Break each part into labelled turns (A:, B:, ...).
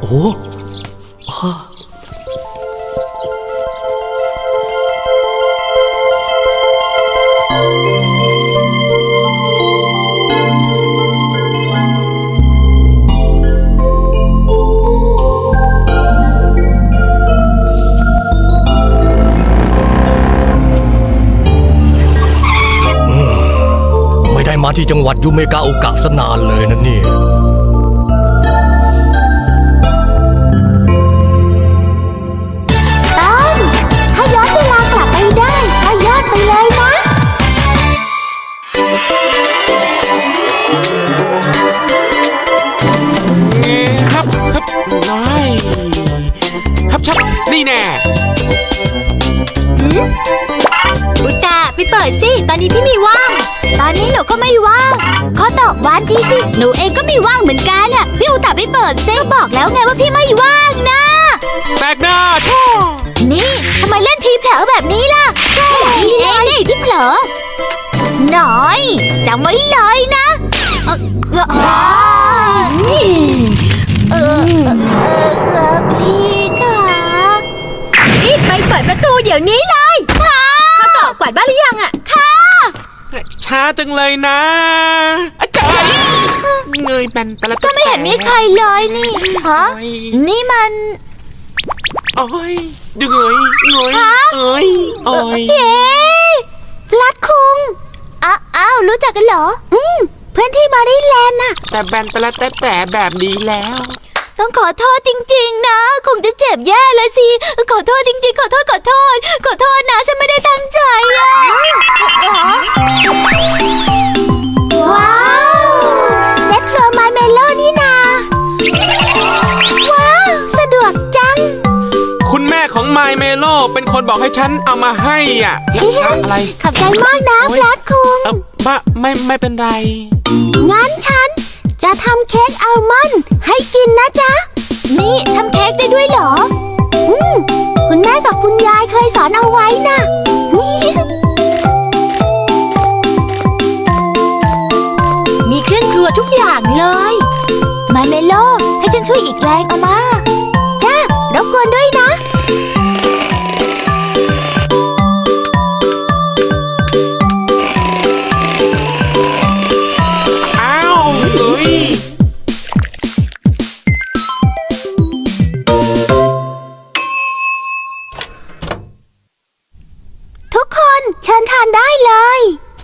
A: อ้ฮ่าไม่ได้มาที่จังหวัดยูเมกาโอกะสนานเลยนะเนี่ย
B: ถ้าย้อนเวลากลับไปได้ก็ย้อนไปเลยนะ
C: ฮับน้อยฮับชับนี่แน่
B: อุตะไปเปิดสิตอนนี้พี่ไม่ว่างตอนนี้หนูก็ไม่ว่างขอตอบวันที่สิหนูเองก็ไม่ว่างเหมือนกันอ่ะพี่อุตะไปเปิดซิก็บอกแล้วไงว่าพี่ไม่ว่างนะ
C: แปลกหน้าชอ
B: นี่ทำไมเล่นทีเผลอแบบนี้ล่ะใช่พี่เองนี่ที่เผลอหน่อยจำไว้เลยนะพี่ค่ะรีบไปเปิดประตูเดี๋ยวนี้เลยค่ะเขาตอบกวาดบ้านหรือยังอ่ะค่ะ
C: ช้าจังเลยนะอาจารย์เงยแบนแต่ละ
B: ก็ไม่เห็นมีใครเลยนี่ฮะนี่มัน
C: โอ้ยเงยโอ้ย
B: เฮ้ฟลัดคุงอ้าวรู้จักกันเหรอเพื่อนที่มาริแลนด์น่ะ
C: แต่แบนแต่ละแต่แบบนี้แล้ว
B: ต้องขอโทษจริงๆนะคงจะเจ็บแย่เลยสิขอโทษจริงๆขอโทษนะฉันไม่ได้ตั้งใจอ่ะว้าวเซ็ตครัวไมเมโลนี่นาว้าวสะดวกจัง
C: คุณแม่ของไมเมโลเป็นคนบอกให้ฉันเอามาให้อ่ะอะไร
B: ขอบใจมากนะฟลัดคุง
C: ไม่เป็นไร
B: งั้นฉันจะทำเค้กอัลมอนด์ให้กินนะจ๊ะนี่ทำเค้กได้ด้วยเหรอคุณแม่กับคุณยายเคยสอนเอาไว้นะมีเครื่องครัวทุกอย่างเลยมาเมโลให้ฉันช่วยอีกแรงเอามาจ้ารบกวนด้วยนะทุกคนเชิญทานได้เลย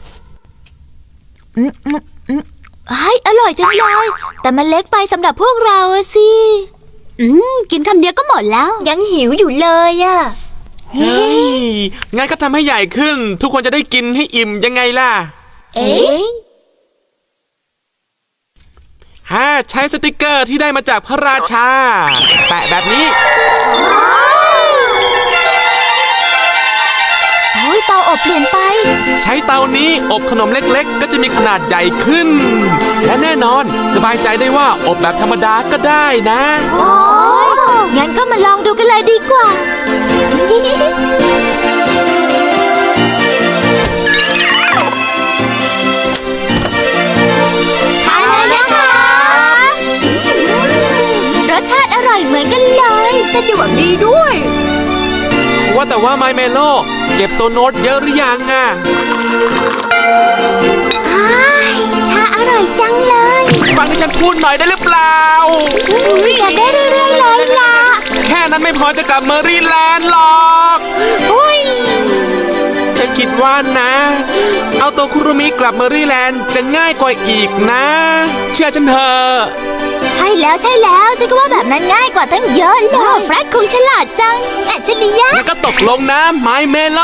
B: อร่อยจังเลยแต่มันเล็กไปสำหรับพวกเราสิกินคำเดียวก็หมดแล้วยังหิวอยู่เลยอ่ะ
C: เฮ้ยงั้นก็ทำให้ใหญ่ขึ้นทุกคนจะได้กินให้อิ่มยังไงล่ะใช้สติกเกอร์ที่ได้มาจากพระราชาแปะแบบนี้
B: เตาอบเปลี่ยนไป
C: ใช้เตานี้อบขนมเล็กๆก็จะมีขนาดใหญ่ขึ้นและแน่นอนสบายใจได้ว่าอบแบบธรรมดาก็ได้นะ
B: งั้นก็มาลองดูกันเลยดีกว่าทานเลยนะคะรสชาติอร่อยเหมือนกันเลยสะดวกดีด้วย
C: ว่าแต่ว่าไมเมโลเก็บตัวโน้ตเยอะหรือยังอ่ะ
B: ชาอร่อยจังเลย
C: ฟังที่ฉันพูดหน่อยได้หรือเปล่า
B: อยากได้เรื่อยๆเลยล่ะ
C: แค่นั้นไม่พอจะกลับเมอรี่แลนด์หรอกฉันคิดว่านะเอาตัวคุรุมิกลับเมอรี่แลนด์จะง่ายกว่าอีกนะเชื่อฉันเถอะ
B: ใช่แล้วฉันก็ว่าแบบนั้นง่ายกว่าตั้งเยอะเลยแฟร็ดคงฉลาดจังอัจฉริยะ
C: งั้นก็ตกลงนะไมเมโล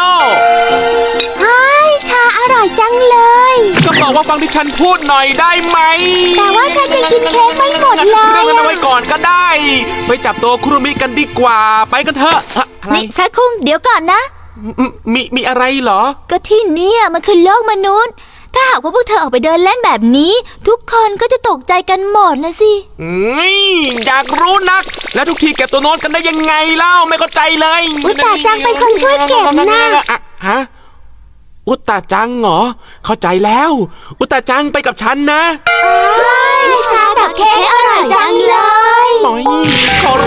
B: ชาอร่อยจังเลย
C: ก็บอกว่าฟังที่ฉันพูดหน่อยได้ไหม
B: แต่ว่าฉันยังกินเค้กไม่หมดเลย
C: เรื่องนั้นเอาไว้ก่อนก็ได้ไปจับตัวคุรุมิกันดีกว่าไปกันเถอะ
B: นี่แฟร็ดคุงเดี๋ยวก่อนนะ
C: มีอะไรเหรอ
B: ก็ที่นี่มันคือโลกมนุษย์ถ้าหากว่าพวกเธอออกไปเดินเล่นแบบนี้ทุกคนก็จะตกใจกันหมดนะสิ
C: อยากรู้นักแล้วทุกทีเก็บตัวโน้ตกันได้ยังไงเล่าไม่เข้าใจเลย
B: อุตตาจังเป็นคนช่วยเก็บนะ
C: ฮะอุตตาจังเหรอเข้าใจแล้วอุตตาจังไปกับฉันนะ
B: ชากับเค้กอร่อยจังเลย
C: ขอ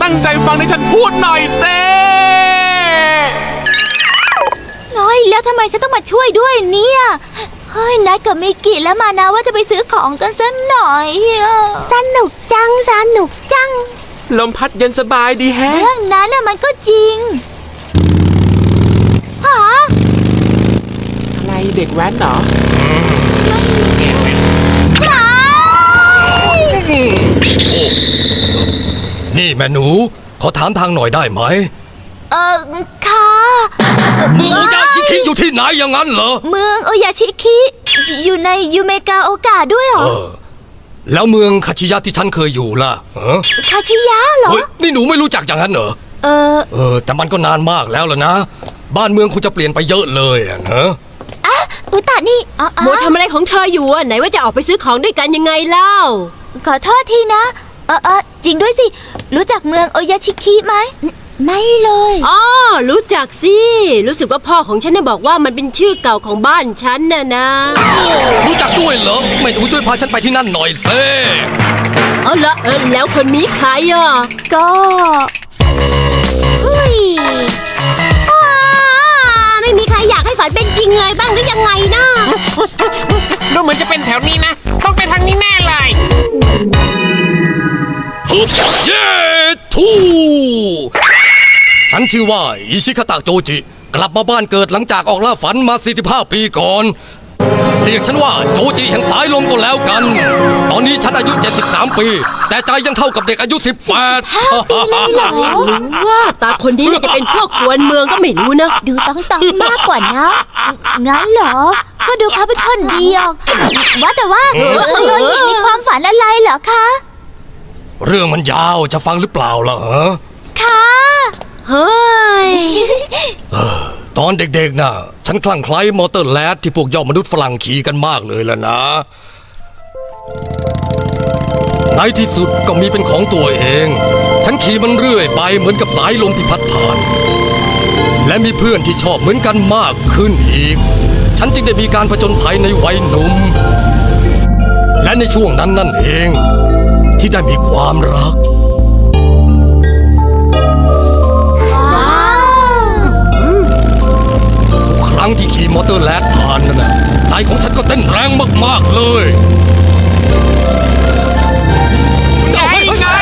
C: ตั้งใจฟังที่ฉันพูดหน่อยเซ
B: น้อยแล้วทำไมฉันต้องมาช่วยด้วยเนี่ยเฮ้ยนัดกับมิกิและมานะว่าจะไปซื้อของกันสักหน่อยสนุกจังสนุกจัง
C: ลมพัดเย็นสบายดีแฮะ
B: เรื่องนั้นน่ะมันก็จริงฮะ
C: อะไรเด็กแว้นเหรอ
A: นี่แม่หนู ขอถามทางหน่อยได้ไหม
B: ค่ะ
A: เมืองโอยาชิคิอยู่ที่ไหนอย่างนั้นเหรอ
B: เมืองโอยาชิคิอยู่ในยูเมกาโอกะด้วยเหรอ
A: แล้วเมืองคาชิยะที่ฉันเคยอยู่ล่ะฮะ
B: คาชิยะเหรอ
A: เฮ้ยนี่หนูไม่รู้จักอย่างนั้นเหรอ แต่มันก็นานมากแล้วล่ะนะ บ้านเมืองคงจะเปลี่ยนไปเยอะเลยอะนะ
B: อุตะนี่
D: โมทำอะไรของเธออยู่อ่ะไหนว่าจะออกไปซื้อของด้วยกันยังไงเล่า
B: ขอโทษทีนะ จริงด้วยสิ รู้จักเมืองโอยาชิคิไหม ไม่เลย
D: อ๋อ รู้จักสิ รู้สึกว่าพ่อของฉันเนี่ยบอกว่ามันเป็นชื่อเก่าของบ้านฉันน่ะนะ
A: รู้จักด้วยเหรอไม่หนูช่วยพาฉันไปที่นั่นหน่อยเซ่
D: แล้วคนนี้ใครอ่ะ
B: ก็เฮ้ย
D: ไม่มีใครอยากให้ฝันเป็นจริงเลยบ้างหรือยังไงนะ
E: ดูเหมือนจะเป็นแถวนี้นะ ต้องไปทางนี้แน่เลย
A: ฮึบเย้ทูฉันชื่อว่าอิชิคาตะโจจิ กลับมาบ้านเกิดหลังจากออกล่าฝันมา 45 ปีก่อน เรียกฉันว่าโจจิแห่งสายลมก็แล้วกัน ตอนนี้ฉันอายุ 73 ปี แต่ใจยังเท่ากับเด็กอายุ 18
D: ว่าตาคนนี้เนี่ยจะเป็นพวกกวนเมืองก็ไม่รู้นะ
B: ดูต้องมากกว่านะ งั้นเหรอ ก็ดูเขาเป็นคนดีออกว่าแต่ว่าโยยิมีความฝันอะไรเหรอคะ
A: เรื่องมันยาวจะฟังหรือเปล่าล่ะฮะ
B: ค่ะ
D: เฮ้ย
A: ตอนเด็กๆน่ะ ฉันคลั่งไคล้มอเตอร์แลดที่พวกยอดมนุษย์ฝรั่งขี่กันมากเลยล่ะนะ ในที่สุดก็มีเป็นของตัวเอง ฉันขี่มันเรื่อยไปเหมือนกับสายลมที่พัดผ่าน และมีเพื่อนที่ชอบเหมือนกันมากขึ้นอีก ฉันจึงได้มีการผจญภัยในวัยหนุ่ม และในช่วงนั้นนั่นเอง ที่ได้มีความรัก
B: ว้าว
A: ครั้งที่ขี่มอเตอร์แลดผ่านนั่นนะใจของฉันก็เต้นแรงมากๆเลยเจ้าเฮ้ยจ้า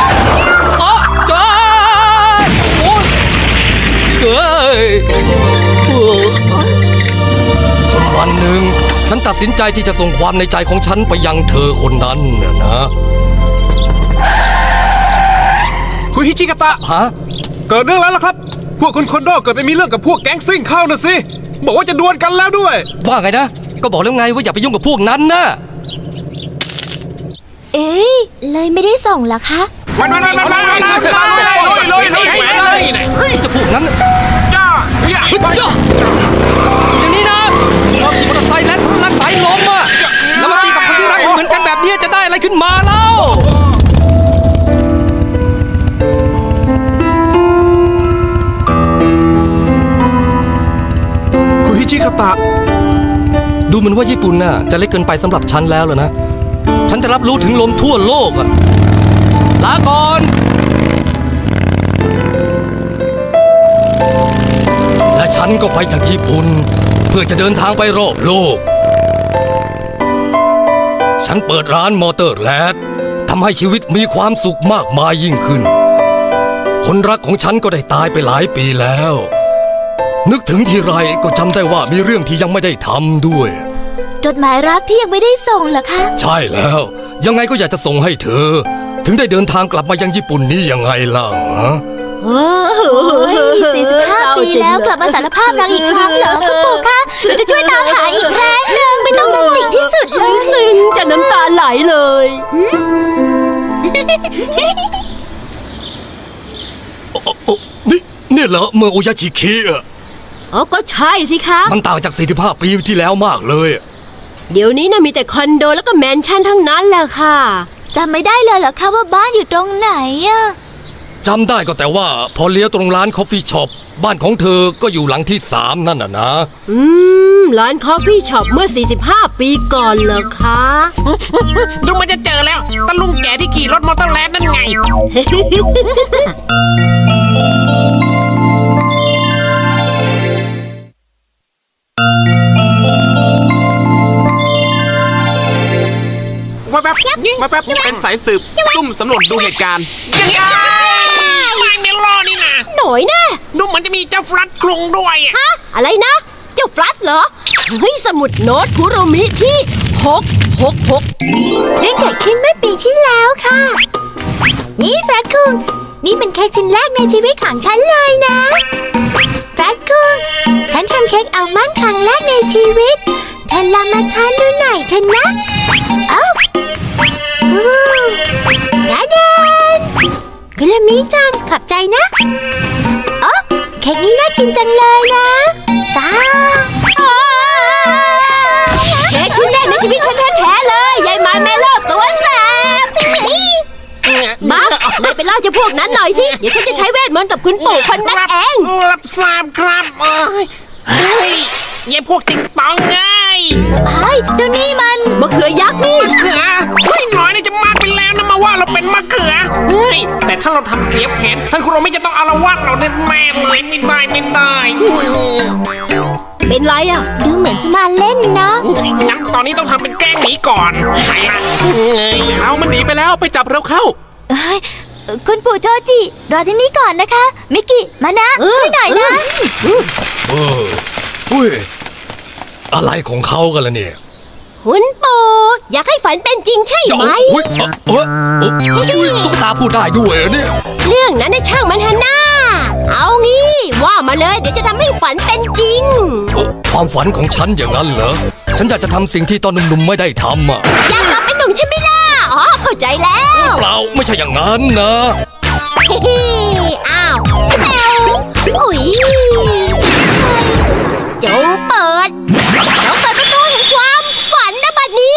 A: โอ้ยเก้ยจนวันหนึ่งฉันตัดสินใจที่จะส่งความในใจของฉันไปยังเธอคนนั้นนะ
F: คุณฮิชิกะตะ
A: ฮะ
F: เกิดเรื่องแล้วล่ะครับ พวกคุณคอนโดเกิดไปมีเรื่องกับพวกแก๊งซิ่งเข้านะสิ บอกว่าจะดวลกันแล้วด้วย
A: ว่าไงนะ ก็บอกแล้วไงว่าอย่าไปยุ่งกับพวกนั้นนะ
B: เอ๊ะเลยไม่ได้ส่งเหรอคะ
F: มันเลย
A: จะพวกนั้น
F: จ้า
A: เฮ้ยจ้าอย่างนี้นะเราขี่มอเตอร์ไซค์แล้วรักสายลมอ่ะแล้วมาตีกับคนที่รักเหมือนกันแบบนี้จะได้อะไรขึ้นมาเล่า
F: คุณฮิชิกะตะ
A: ดูเหมือนว่าญี่ปุ่นน่ะจะเล็กเกินไปสำหรับฉันแล้วล่ะนะ ฉันจะรับรู้ถึงลมทั่วโลกอะลาก่อน และฉันก็ไปจากญี่ปุ่น เพื่อจะเดินทางไปรอบโลก ฉันเปิดร้านมอเตอร์แลดทำให้ชีวิตมีความสุขมากมายยิ่งขึ้น คนรักของฉันก็ได้ตายไปหลายปีแล้ว นึกถึงทีไรก็จำได้ว่ามีเรื่องที่ยังไม่ได้ทำด้วย
B: จดหมายรักที่ยังไม่ได้ส่งเหรอคะ
A: ใช่แล้ว ยังไงก็อยากจะส่งให้เธอ ถึงได้เดินทางกลับมายังญี่ปุ่นนี้ยังไงล่ะฮะ
B: โอ้ย45 ปีแล้วกลับมาสารภาพรักอีกครั้งเหรอคุณปู่คะหนูจะช่วยตามหาอีกแรงหนึ่งไม่ต้องเป็นติ่งที่สุดเลย
D: ซึ้งจะน้ำตาไหลเลย
A: นี่เหรอเมืองโอยาชิคิอะ
D: อ๋อ ก็ใช่สิคะ
A: มันต่างจาก 45 ปีที่แล้วมากเลยอะ
D: เดี๋ยวนี้นะมีแต่คอนโดแล้วก็แมนชั่นทั้งนั้นแหละค่ะ
B: จำไม่ได้เลยเหรอคะว่าบ้านอยู่ตรงไหนอะ
A: จำได้ก็แต่ว่าพอเลี้ยวตรงร้านคอฟฟี่ช็อปบ้านของเธอก็อยู่หลังที่ 3 นั่นน่ะนะ
D: ร้านคอฟฟี่ช็อปเมื่อ 45 ปีก่อนเหรอคะ
E: ดูมันจะเจอแล้วตะลุงแก่ที่ขี่รถมอเตอร์แลนด์นั่นไงมาแบบมาแบบ
C: เป็นสายสืบซุ่มสำรวจดูเหตุการณ์
E: ยังไงไม่เมลอนี่นะ
D: หน่อยนะ
E: ดูเหมือนจะมีเจ้าฟลัดกรุงด้วยอะ
D: ฮะอะไรนะ เจ้าฟลัดเหรอ เฮ้ย สมุดโน้ตคุโรมิที่ 666
B: เรื่องเกิดขึ้นเมื่อปีที่แล้วค่ะ นี่แฟรดคุงนี่เป็นเค้กชิ้นแรกในชีวิตของฉันเลยนะแฟรดคุงฉันทำเค้กอัลมอนด์ครั้งแรกในชีวิตเธอลองมาทานดูหน่อยเถอะนะเอ้าดาเดนกุลามิจังขอบใจนะโอ้เค้กนี้น่ากินจังเลยนะตา
D: เค้กชิ้นแรกในชีวิตฉันแท้ๆเลยยายไม้แม่โลดตัวแสบบักนายไปเล่าเจ้าพวกนั้นหน่อยสิ เดี๋ยวฉันจะใช้เวทมนต์กับคุณปู่คนนั้นเอง
E: รับทราบครับเฮ้ยยายพวกติ๊งตองไง
B: เฮ้ยเจ้านี่มัน
D: มะเขือยักษ์นี่
E: มะเขือเฮ้ยหน่อยนี่จะมากไปแล้วนะมาว่าเราเป็นมะเขือเฮ้ยแต่ถ้าเราทำเสียแผนท่านคุณเราไม่จะต้องอาละวาดเราแน่ๆเลยไม่ได้
D: เป็นไรอ่ะ
B: ดูเหมือนจะมาเล่นนะ
E: งั้นตอนนี้ต้องทำเป็นแกล้งหนีก่อนไปละเฮ้ย
C: เอามันหนีไปแล้วไปจับเร็วเข้า
B: เอ้ยคุณปู่โจจิ รอที่นี่ก่อนนะคะ มิกกี้ มานะ ช่วยหน่อยนะ
A: อุ้ยอะไรของเขากันล่ะเนี่ย
D: คุณปู่อยากให้ฝันเป็นจริงใช่ไหม
A: อุ้ยตุ๊กตาพูดได้ด้วยเหรอเนี่ย
D: เรื่องนั้นน่ะช่างมันเถอะนะเอางี้ว่ามาเลยเดี๋ยวจะทำให้ฝันเป็นจริง
A: ความฝันของฉันอย่างนั้นเหรอ ฉันอยากจะทำสิ่งที่ตอนหนุ่มๆไม่ได้ทำอ่ะ
D: อยากกลับเป็นหนุ่มใช่ไหมล่ะ อ๋อ เข้าใจแล้ว
A: เปล่าไม่ใช่อย่างนั้นนะ
D: เฮ้อ้าวแมวอุ๊ยจงเปิดประตูแห่งความฝันนะบัดนี้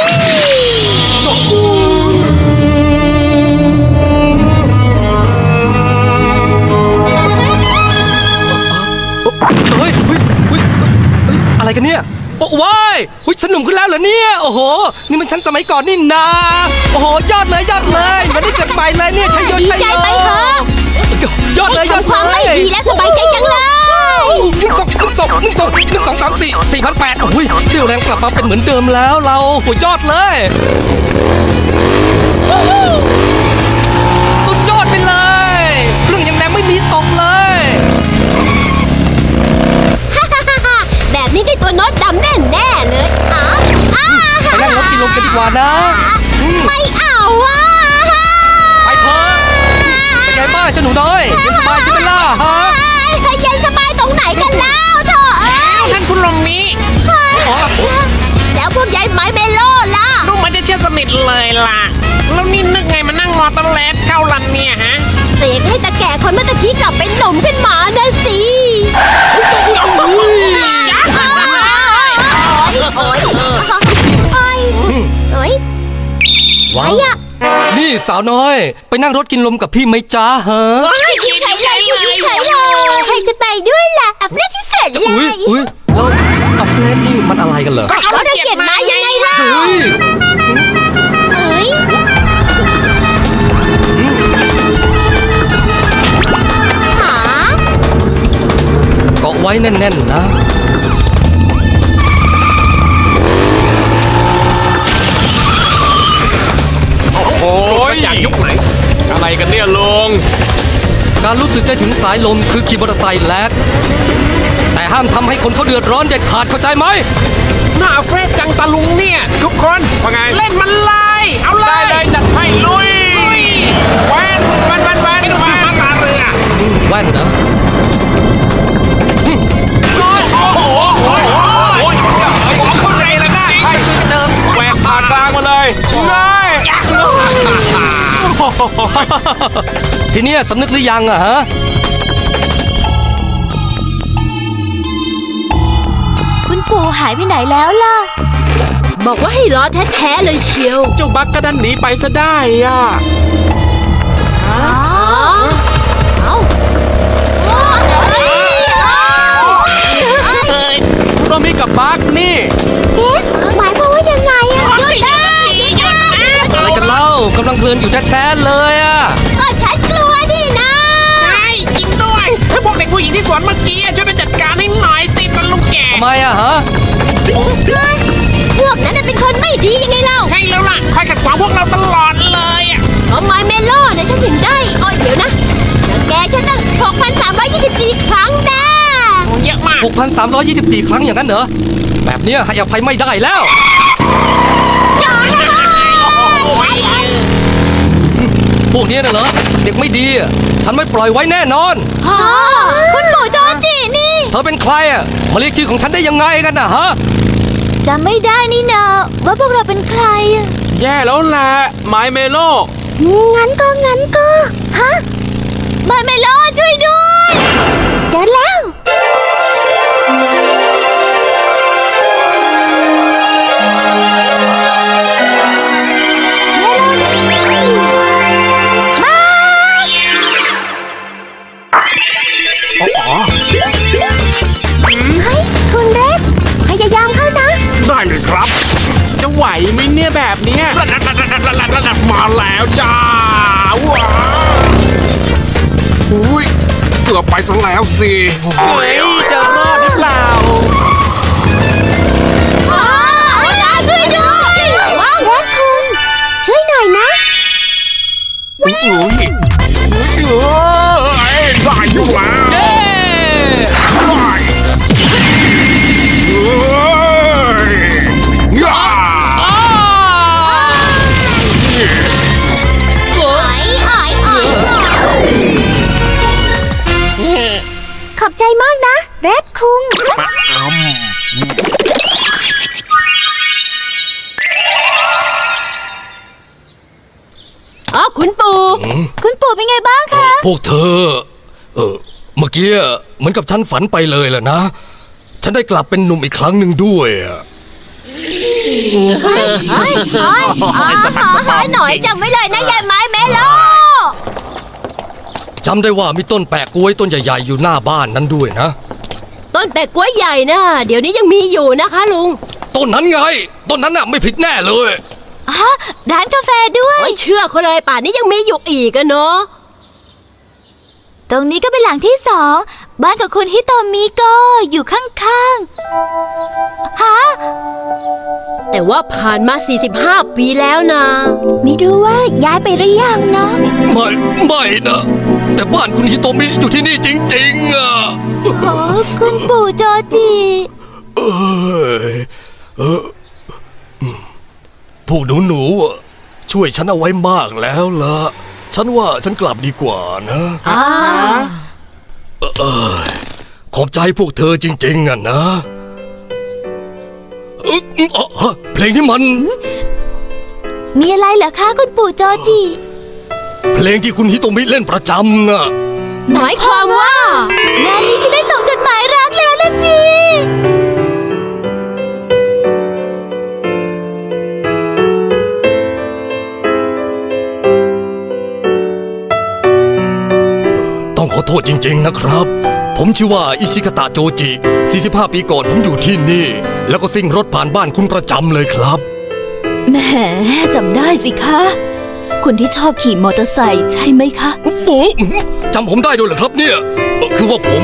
A: อะไรกันเนี่ยโอ้ว้ายฉันหนุ่มขึ้นแล้วเหรอเนี่ย โอ้โห นี่มันฉันสมัยก่อนนี่นา โอ้โห ยอดเลยมันได้เกิดใหม่เลยเนี่ยชัยโย
D: ดี
A: ชัย
D: ใจ
A: โย
D: ไปเถอะ
A: ยอดเลย
D: ทำความไม่ดีและสบายใจจังเลย
A: 1,234,800โอ้ยเรี่ยวแรงกลับมาเป็นเหมือนเดิมแล้วเราโหยอดเลยสุดยอดไปเลยเครื่องยังแรงไม่มีตกเลย
D: แบบนี้ได้ตัวโน้ตดำแน่ๆเลยอ๋อ
A: ไปนั่งรถกินลมกันดีกว่านะ
D: ไม่เอาอ่ะ
A: ไปเถอะเป็นไงบ้างเจ้าหนูน้อยเย็นสบายใช่ไหมล่ะฮะ
D: เย็นสบายตรงไหนกันแล้วเถอะ
E: ท่านคุณลมนี้
D: แล้วพวกยายไม้เมโลล่ะ
E: ดูเหมันจะเชื่อสนิทเลยล่ะ แล้วนี่นึกไงมานั่งมอเตอร์แลนด์เข้าลันเนี่ยฮะ
D: เสกให้ตาแก่คนเมื่อตะกี้กลับเป็นหนุ่มขึ้นมานะสิ
A: ว้าวนี่สาวน้อย ไปนั่งรถกินลมกับพี่ไหมจ้าฮะ
B: ใช่เลยใช่เลยใครจะไปด้วยล่ะอัฟเรที่เสร็จเล
A: อุ้ย
B: ย
A: อุ้ยแล้วอัฟเลนนี่มันอะไรกันเหรอ
D: เขาระเกียดมายังไงล่ะ
A: เฮ้ย
B: เอ้ย หา
A: เกาะไว้แน่นๆนะ
C: โอ้ยอยากยุคไหน อะไรกันเนี่ยลุง
A: การรู้สึกได้ถึงสายลมคือขี่มอเตอร์ไซค์แลกแต่ห้ามทำให้คนเขาเดือดร้อนเด็ดขาดเข้าใจไหม
E: หน้าเฟรดจังตะลุงเนี่ย ทุกคน
C: ว่าไง
E: เล่นมันเลย เอาเล
C: ได้
E: ย
C: เลยจัดให้ลุยแวนแวนแวนแวน
E: ไม่ต้อง
C: แว
E: มาน ตาเรือ
A: แว่นนะ
C: โอ้ย
E: เข้าใจแล้วนะ
C: ให้แหวกผ่านกลางมาเลยง่าย
A: ทีเนี้ยสำนึกหรือยังอะฮะ
B: คุณปู่หายไปไหนแล้วล่ะ
D: บอกว่าให้รอแท้ๆเลยเชียว
C: เจ้าบักก็ดันหนีไปซะได้อ่ะ
D: อ๋อเอา
C: คุโรมิกับบักนี่
B: เอ๊ะหมายความว่ายังไงอะ
E: หยุดนะหยุดนะ
A: อะไรกันเล่ากำลังเพลินอยู่แท้ๆเลยอ่ะ
D: ก็ฉันกลัวดินะ
E: ใช่จริงด้วยถ้าพวกเด็กผู้หญิงที่สวนเมื่อกี้ช่วยไปจัดการให้หน่อยสิตาลุงแก่
A: ทำไมอะฮะ
D: พวกนั้นน่ะเป็นคนไม่ดียังไงเล่า
E: ใช่แล้วล่ะคอยขัดขวางพวกเราตลอดเลยอะ
D: เพราะไมเมโลเนี่ยฉันถึงได้โอ้ยเดี๋ยวนะแล้วแกฉันตั้ง6,324 ครั้งแน่
E: โอ้เยอะมาก
A: 6,324 ครั้งอย่างนั้นเหรอ แบบเนี้ยให้อภัยไม่ได้แล้ว
E: โอ้ย
A: พวกเนี้ยน่ะเหรอ เด็กไม่ดีอะฉันไม่ปล่อยไว้แน่นอน
B: อ๋อคุณปู่โจจินี่
A: เธอเป็นใครอ่ะ มาเรียกชื่อของฉันได้ยังไงกันนะฮะ
B: จำไม่ได้นี่นาว่าพวกเราเป็นใครอะ
C: แย่แล้วแหละไมเมโล
B: งั้นก็ฮะมาเมโลช่วยด้วยเจอแล้ว คุณเรสพยายามเข้านะ
E: ได้เลยครับ
C: จะไหวไหมเนี่ยแบบเนี้ย
E: มาแล้วจ้าว้าวอุ้ยเกือบไปซะแล้วสิ
C: เฮ้ยจะรอดหรือเปล่า
B: เวลาช่วยด้วยว้าวคุณช่วยหน่อยนะ
E: อุ้ยได้อยู่แล้ว
A: เย้
E: ย่า
A: อ้า
B: ขอบใจมากนะเรดคุง
D: อ๋อคุณปู่
B: คุณปู่เป็นไงบ้างคะ
A: พวกเธอ เมื่อกี้เหมือนกับฉันฝันไปเลยแหละนะ ฉันได้กลับเป็นหนุ่มอีกครั้งหนึ่งด้วยอะ
D: ขอหน่อยจำไว้เลยนะยายไม้เมโล
A: จำได้ว่ามีต้นแปะกล้วยต้นใหญ่ๆอยู่หน้าบ้านนั้นด้วยนะ
D: ต้นแปะกล้วยใหญ่นะเดี๋ยวนี้ยังมีอยู่นะคะลุง
A: ต้นนั้นไง ต้นนั้นน่ะไม่ผิดแน่เลย
B: ฮะร้านกาแฟด้วย
D: ไม่เชื่อเขาเลยป่านนี้ยังมีอยู่อีกอะเนาะ
B: ตรงนี้ก็เป็นหลังที่2บ้านกับคุณฮิโตมิก็อยู่ข้างๆฮะ
D: แต่ว่าผ่านมา 45 ปีแล้วนะ
B: ไม่รู้ว่าย้ายไปหรือยังเนาะ
A: ไม่นะ แต่บ้านคุณฮิโตมิอยู่ที่นี่จริงๆอ่ะ
B: โอ้คุณปู่โจจิ
A: เอยพวกหนูๆอะช่วยฉันเอาไว้มากแล้วล่ะ ฉันว่าฉันกลับดีกว่านะขอบใจพวกเธอจริงๆอ่ะนะเพลงที่มัน
B: มีอะไรเหรอคะคุณปู่โจจิ
A: เพลงที่คุณฮิโตมิเล่นประจำน่ะ
D: หมายความว่า
B: งานนี้จะได้ส่งจดหมายรักแล้วละสิ
A: ต้องขอโทษจริงๆนะครับ ผมชื่อว่าอิชิกะตะโจจิ 45 ปีก่อนผมอยู่ที่นี่ แล้วก็ซิ่งรถผ่านบ้านคุณประจำเลยครับ
G: แหมจำได้สิคะ คุณที่ชอบขี่มอเตอร์ไซค์ใช่ไหมคะ
A: โอ้โหจำผมได้ด้วยเหรอครับเนี่ย คือว่าผม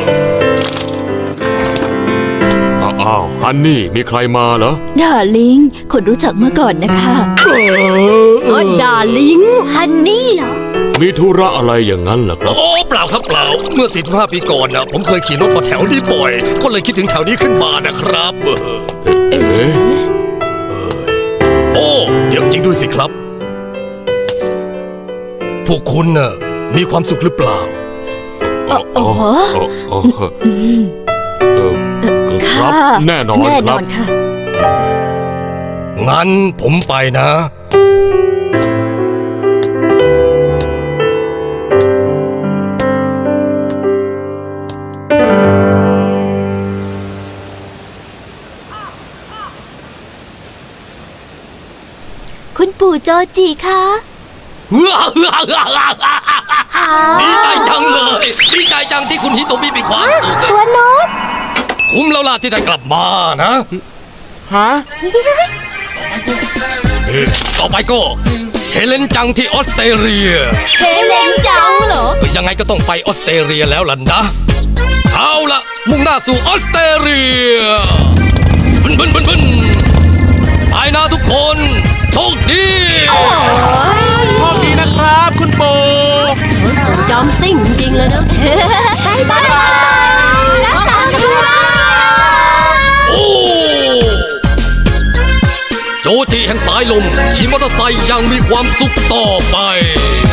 H: อ้าวฮันนี่มีใครมาเหรอ
G: ดาลิง คนรู้จักเมื่อก่อนนะคะ
D: โอ้ดาลิง
B: ฮันนี่เหรอ
H: มีธุระอะไรอย่างนั้นเหรอครับ
A: โอ้เปล่าครับเปล่า เมื่อ 45 ปีก่อนนะผมเคยขี่รถมาแถวนี้บ่อย ก็เลยคิดถึงแถวนี้ขึ้นมานะครับ
H: เอ๊ะ
A: โอ้ เดี๋ยวจริงด้วยสิครับ พวกคุณน่ะมีความสุขหรือเปล่า
H: อ๋ออ๋ออ๋อครับ แน่นอน
G: แน่
H: คน รั
G: อบ นค่ะ
A: งั้นผมไปนะ
B: คุณปู่โจจิคะ
A: ดีใจจังเลย ดีใจจังที่คุณฮิโตมิมีความสุข
B: ตัวโน้ต
A: คุ้มแล้วล่ะที่ได้กลับมานะ
C: ฮะ
A: ต่อไปก็เลนจังที่ออสเตรเลีย
D: เฮเลนจังเหรอ
A: ยังไงก็ต้องไปออสเตรเลียแล้วล่ะนะ เอาละมุ่งหน้าสู่ออสเตรเลียบึนไปนะทุกคนโชคดี
C: โชคดีนะครับคุณปู่
D: จอมซิ่งจริงเลยนะ
B: บายบายรักษาตัว
A: โอ้โจจิแห่งสายลมขี่มอเตอร์ไซค์ยังมีความสุขต่อไป